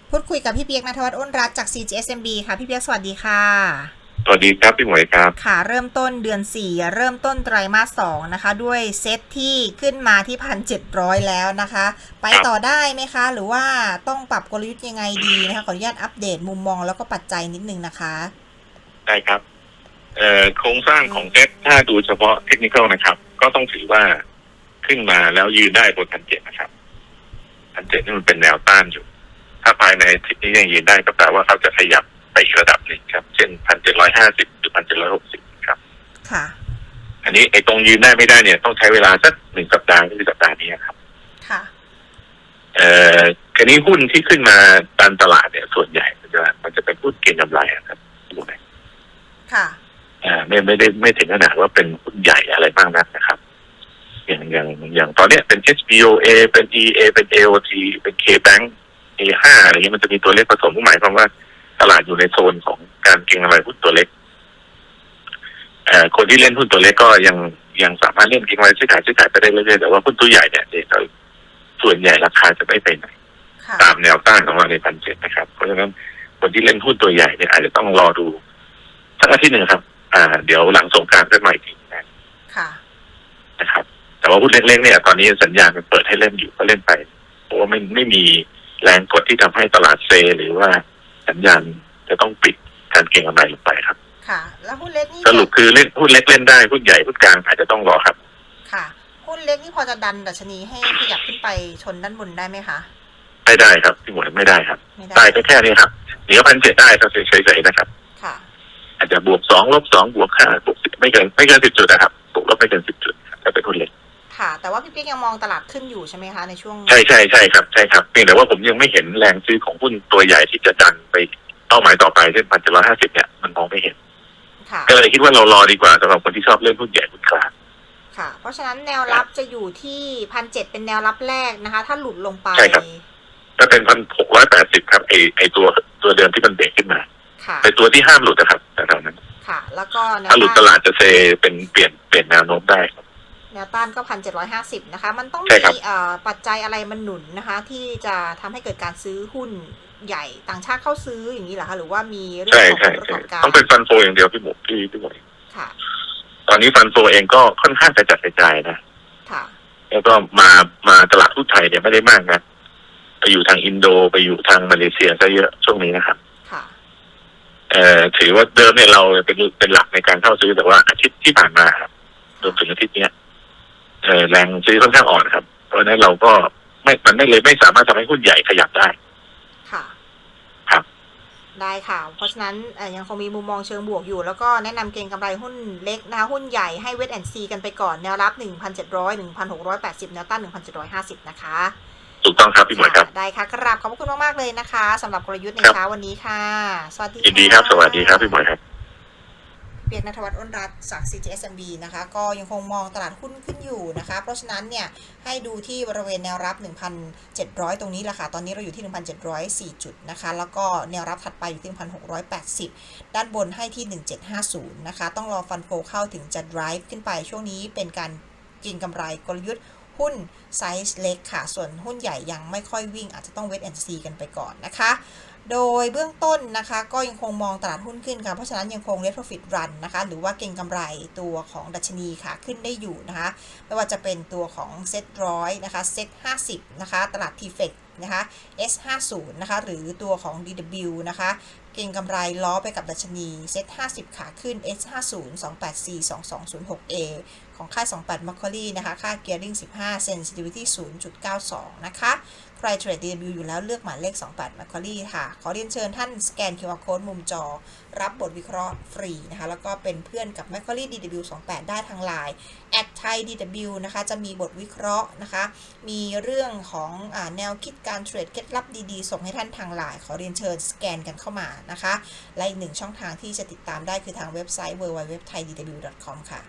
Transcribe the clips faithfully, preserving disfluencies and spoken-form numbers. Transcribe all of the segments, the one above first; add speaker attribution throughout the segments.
Speaker 1: พูดคุยกับพี่เปียกณัฐวัฒน์อ้นรัตน์จาก ซี จี เอส เอ็ม บี ค่ะพี่เปียกสวัสดีค่ะ
Speaker 2: สวัสดีครับพี่หมวยครับ
Speaker 1: ค่ะเริ่มต้นเดือนสี่เริ่มต้นไตรมาสสองนะคะด้วยเซตที่ขึ้นมาที่พันเจ็ดร้อยแล้วนะคะไปต่อ
Speaker 2: ครับ
Speaker 1: ได้ไหมคะหรือว่าต้องปรับกลยุทธ์ยังไงดีนะคะขออนุญาตอัปเดตมุมมองแล้วก็ปัจจัยนิดนึงนะคะ
Speaker 2: ได้ครับเอ่อโครงสร้างของเซ็ตถ้าดูเฉพาะเทคนิคนะครับก็ต้องถือว่าขึ้นมาแล้วยืนได้บนพันเจ็ดนะครับพันเจ็ดนี่มันเป็นแนวต้านอยู่ถ้าภายในทิศนี้ยังยืนได้ก็แปลว่าเขาจะขยับไปอีกระดับหนึ่งครับเช่นพันเจ็ดร้อยห้าสิบหรือพันเจ็ดร้อยหกสิบครับ
Speaker 1: ค่ะ
Speaker 2: อันนี้ไอ้ตรงยืนได้ไม่ได้เนี่ยต้องใช้เวลาสักหนึ่งสัปดาห์ก็คือสัปดาห์นี้ครับ
Speaker 1: ค่ะ
Speaker 2: เอ่อคราวนี้หุ้นที่ขึ้นมาตามตลาดเนี่ยส่วนใหญ่มันจะมันจะเป็นหุ้นเก็งกำไรครับถูกไหม
Speaker 1: ค่ะ
Speaker 2: อ่าไม่ไม่ได้ไม่ถึงขนาดว่าเป็นหุ้นใหญ่อะไรมากนักนะครับ อย่างอย่างอย่างตอนเนี้ยเป็น เอช บี โอ เอ เป็น อี เอ เป็น เอ โอ ที เป็น K-Bank เอ ห้า อะไรเงี้ยมันจะมีตัวเลขผสมหมายความว่าตลาดอยู่ในโซนของการเก็งกำไรหุ้นตัวเล็กเอ่อคนที่เล่นหุ้นตัวเล็กก็ยังยังสามารถเล่นเก็งกำไรซื้อขายซื้อขายไปได้เรื่อยๆแต่ว่าหุ้นตัวใหญ่เนี่ยเดี๋ยวส่วนใหญ่ราคาจะไม่ไปไหนตามแนวต้านของเราในพันเจ็ดนะครับเพราะฉะนั้นคนที่เล่นหุ้นตัวใหญ่เนี่ยอาจจะต้องรอดูสักอาทิตย์หนึ่งครับอ่าเดี๋ยวหลังสงกรานต์ก็มาอีกทีนะนะครับแต่ว่าหุ้นเล็กๆเนี่ยตอนนี้สัญญาณมันเปิดให้เล่นอยู่ก็เล่นไปเพราะว่าไม่ไม่มีแรงกดที่ทำให้ตลาดเซหรือว่าสัญญาณจะต้องปิดการเก็งกำไรลงไปครับ
Speaker 1: ค่ะแล้วหุ้นเล็กนี่
Speaker 2: สรุปคือเล่นหุ้นเล็กเล่นได้หุ้นใหญ่หุ้นกลางอาจจะต้องรอครับ
Speaker 1: ค่ะหุ้นเล็กนี่พอจะดันดัชนีให้ขยับขึ้นไปชนด้านบนได้ไหมคะ
Speaker 2: ไม่ได้ครับพี่หมวยไม่ได้ครับได้แค่แค่นี้ครับเหนือพันเจ็ดได้ครับเฉยๆนะครับ
Speaker 1: ค่ะ
Speaker 2: อาจจะบวกสองลบสองบวกห้าบวกสิบไม่เกินไม่เกินสิบจุดนะครับบวกลบไม่เกินสิบจุดถ้าเป็นหุ้นเล็ก
Speaker 1: ค่ะแต่ว่าพี่ปิ๊กยังมองตลาดขึ้นอยู่ใช่ไหมคะในช่วง
Speaker 2: ใช่ใช่ใช่ครับใช่ครับเพียงแต่ว่าผมยังไม่เห็นแรงซื้อของหุ้นตัวใหญ่ที่จะดันไปเป้าหมายต่อไปเช่นพันเจ็ดร้อยห้าสิบเนี่ยมันมองไม่เห็นก็เลยคิดว่าเรารอดีกว่าสำหรับคนที่ชอบเล่นหุ้นใหญ่หุ้นกลาง
Speaker 1: ค่ะเพราะฉะนั้นแนวรับจะอยู่ที่พันเจ็ดเป็นแนวรับแรกนะคะถ้าหลุดลงไป
Speaker 2: ใช่ครับจะเป็นพันหกร้อยแปดสิบครับไอไอตัวตัวเดิมที่มันเบรกขึ้นมาเป็นตัวที่ห้ามหลุดนะครับแต่เท่านั้น
Speaker 1: ค่ะแล้วก็
Speaker 2: ถ้าหลุดตลาดจะเซเป็นเปลี่ยนเปลี่ยนแนวโน้มได้
Speaker 1: แนวต้านก็พันเจ็ดร้อยห้าสิบนะคะมันต้องมีปัจจัยอะไรมันหนุนนะคะที่จะทำให้เกิดการซื้อหุ้นใหญ่ต่างชาติเข้าซื้ออย่างนี้เหรอคะหรือว่ามีเรื่องของประกอบการ
Speaker 2: ต้องเป็นฟันโฟอย่างเดียวพี่หมูพี่พี่หมู
Speaker 1: ค่ะ
Speaker 2: ตอนนี้ฟันโฟเองก็ค่อนข้างจะจัดกระจายนะ
Speaker 1: ค่ะ
Speaker 2: แล้วก็มามาตลาดหุ้นไทยเนี่ยไม่ได้มากนะไปอยู่ทางอินโดไปอยู่ทางมาเลเซียซะเยอะช่วงนี้นะครับ
Speaker 1: ค่ะ
Speaker 2: เอ่อถือว่าเดิมเนี่ยเราเป็นเป็นหลักในการเข้าซื้อแต่ว่าอาทิตย์ที่ผ่านมาครับรวมถึงอาทิตย์เนี้ยเอ่อแรงซื้อค่อนข้างอ่อนครับเพราะฉะนั้นเราก็ไม่มันไม่เลยไม่สามารถทำให้หุ้นใหญ่ขยับได้
Speaker 1: ค่ะ
Speaker 2: ครับ
Speaker 1: ได้ค่ะเพราะฉะนั้นยังคงมีมุมมองเชิงบวกอยู่แล้วก็แนะนำเก็งกำไรหุ้นเล็กนะคะหุ้นใหญ่ให้เวทแอนด์ซีกันไปก่อนแนวรับ หนึ่งพันเจ็ดร้อย หนึ่งพันหกร้อยแปดสิบ แนวต้าน หนึ่งพันเจ็ดร้อยห้าสิบ นะคะ
Speaker 2: ถูกต้องครับพี่หมวยครับ
Speaker 1: ได้ค่ะกราบขอบคุณมากๆเลยนะคะสำหรับกลยุทธ์ในเช้าวันนี้ค่ะสวัสดี
Speaker 2: ยินดีครับสวัสดีครับพี่หมวยครับ
Speaker 1: เปียกณัฐวัฒน์อ้นรัตน์จาก ซี จี เอส เอ็ม บี นะคะก็ยังคงมองตลาดหุ้นขึ้นอยู่นะคะเพราะฉะนั้นเนี่ยให้ดูที่บริเวณแนวรับ หนึ่งพันเจ็ดร้อย ตรงนี้แหละค่ะตอนนี้เราอยู่ที่ หนึ่งพันเจ็ดร้อยสี่ จุดนะคะแล้วก็แนวรับถัดไปอยู่ที่ หนึ่งพันหกร้อยแปดสิบ ด้านบนให้ที่ หนึ่งพันเจ็ดร้อยห้าสิบ นะคะต้องรอฟันโฟเข้าถึงจะ drive ขึ้นไปช่วงนี้เป็นการกินกำไรกลยุทธ์หุ้นไซส์เล็กค่ะส่วนหุ้นใหญ่ยังไม่ค่อยวิ่งอาจจะต้องเวทแอนด์ซีกันไปก่อนนะคะโดยเบื้องต้นนะคะก็ยังคงมองตลาดหุ้นขึ้นค่ะเพราะฉะนั้นยังคง Net Profit Run นะคะหรือว่าเก็งกำไรตัวของดัชนีค่ะขึ้นได้อยู่นะคะไม่ว่าจะเป็นตัวของเซ็ตร้อยนะคะเซ็ตห้าสิบนะคะตลาด ที เอฟ อี ซี นะคะ เอส ห้าสิบ นะคะหรือตัวของ ดี ดับเบิลยู นะคะเก็งกำไรล้อไปกับดัชนีเซ็ตห้าสิบขาขึ้น เอส ห้าสิบ สองแปดสี่ สองสองศูนย์หก เอ ของค่ายสองสิบแปด Macquarie นะคะค่า Gearing สิบห้า Sensitivity ศูนย์จุดเก้าสอง นะคะใครเทรด ดี ดับเบิลยู อยู่แล้วเลือกหมายเลขสองสิบแปด Macquarie ค่ะขอเรียนเชิญท่านสแกน คิว อาร์ Code มุมจอรับบทวิเคราะห์ฟรีนะคะแล้วก็เป็นเพื่อนกับ Macquarie ดี ดับเบิลยู สองสิบแปด ได้ทาง ไลน์ แอท ไทย ดี ดับเบิลยู นะคะจะมีบทวิเคราะห์นะคะมีเรื่องของอ่าแนวคิดการเทรดเคล็ดลับดีๆส่งให้ท่านทาง ไลน์ ขอเรียนเชิญสแกนกันเข้ามานะคะและอีกหนึ่งช่องทางที่จะติดตามได้คือทางเว็บไซต์ ดับเบิลยู ดับเบิลยู ดับเบิลยู ดอท ไทย ดี ดับเบิลยู ดอท คอม ค่ะ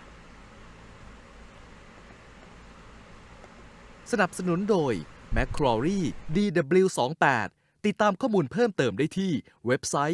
Speaker 3: สนับสนุนโดย Macquarie ดี ดับเบิลยู สองสิบแปด ติดตามข้อมูลเพิ่มเติมได้ที่เว็บไซต์